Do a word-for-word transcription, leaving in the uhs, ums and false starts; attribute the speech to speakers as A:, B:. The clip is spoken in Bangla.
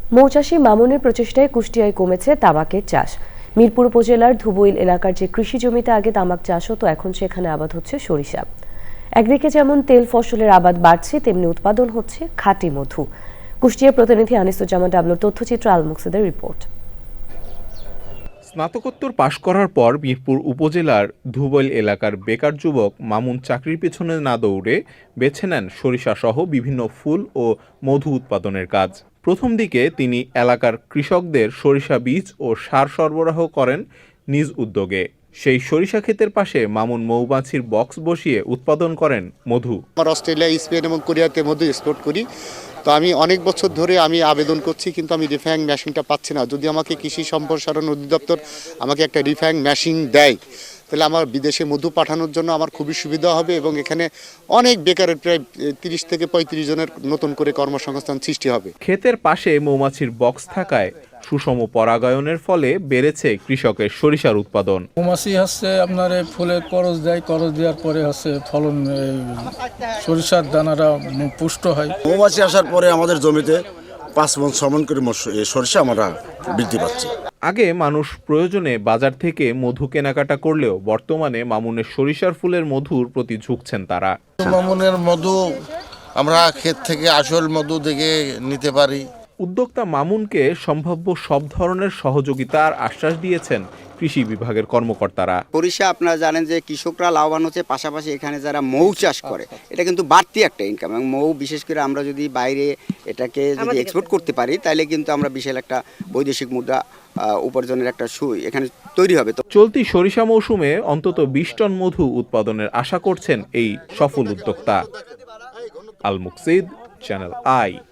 A: মৌচাষী মামুনের প্রচেষ্টায় কুষ্টিয়ায় কমেছে তামাকের চাষ। মিরপুর উপজেলার ধুবইল এলাকার যে কৃষি জমিতে আগে তামাক চাষ হতো, এখন সেখানে আবাদ হচ্ছে সরিষা। একদিকে যেমন তেল ফসলের আবাদ বাড়ছে, তেমনি উৎপাদন হচ্ছে খাঁটি মধু। কুষ্টিয়ার প্রতিনিধি আনিসুজ্জামান ডাবলুর তথ্যচিত্র আল মুকসিদের রিপোর্ট।
B: স্নাতকোত্তর পাশ করার পর মিরপুর উপজেলার ধুবইল এলাকার বেকার যুবক মামুন চাকরির পেছনে না দৌড়ে বেছে নেন সরিষা সহ বিভিন্ন ফুল ও মধু উৎপাদনের কাজ। প্রথম দিকে তিনি এলাকার কৃষকদের সরিষা বীজ ও সার সরবরাহ করেন নিজ উদ্যোগে। সেই সরিষা ক্ষেতের পাশে মামুন মৌমাছির বক্স বসিয়ে উৎপাদন করেন মধু।
C: আমার অস্ট্রেলিয়া, স্পেন এবং কোরিয়াতে মধু এক্সপোর্ট করি। তো আমি অনেক বছর ধরে আমি আবেদন করছি, কিন্তু আমি রিফাইং মেশিনটা পাচ্ছি না। যদি আমাকে কৃষি সম্প্রসারণ অধিদপ্তর আমাকে একটা রিফাইং মেশিন দেয়, তাহলে আমার বিদেশে মধু পাঠানোর জন্য আমার খুবই সুবিধা হবে এবং এখানে অনেক বেকারের প্রায় তিরিশ থেকে পঁয়ত্রিশ জনের নতুন করে কর্মসংস্থান সৃষ্টি হবে।
B: ক্ষেতের পাশে মৌমাছির বক্স থাকায় সুষম পরাগায়নের ফলে বেড়েছে কৃষকের সরিষার উৎপাদন।
D: মৌমাছি হচ্ছে আপনার ফুলের করজ দেয়, করজ দেওয়ার পরে হচ্ছে ফলন, সরিষার দানাটা পুষ্ট হয়।
E: মৌমাছি আসার পরে আমাদের জমিতে পাঁচ মন ছ মন করে সরিষা আমরা বৃদ্ধি পাচ্ছি।
B: আগে মানুষ প্রয়োজনে বাজার থেকে মধু কেনাকাটা করলেও বর্তমানে মামুনের সরিষার ফুলের মধুর প্রতি ঝুঁকছেন তারা।
F: মামুনের মধু আমরা ক্ষেত থেকে আসল মধু দেখে নিতে পারি।
B: উদ্যোক্তা মামুনকে সম্ভাব্য সব ধরনের সহযোগিতার আশ্বাস দিয়েছেন কৃষি বিভাগের কর্মকর্তারা।
G: সরিষা আপনারা জানেন যে কৃষকরা লাভবান হচ্ছে, পাশাপাশি এখানে যারা মৌ চাষ করে এটা কিন্তু বাড়তি একটা ইনকাম, এবং মৌ বিশেষ করে আমরা যদি বাইরে এটাকে যদি এক্সপোর্ট করতে পারি, তাহলে কিন্তু আমরা বিশাল একটা বৈদেশিক মুদ্রা উপার্জনের একটা সুই এখানে তৈরি হবে।
B: চলতি সরিষা মৌসুমে অন্তত বিশ টন মধু উৎপাদনের আশা করছেন এই সফল উদ্যোক্তা। Al Muksid, channel I.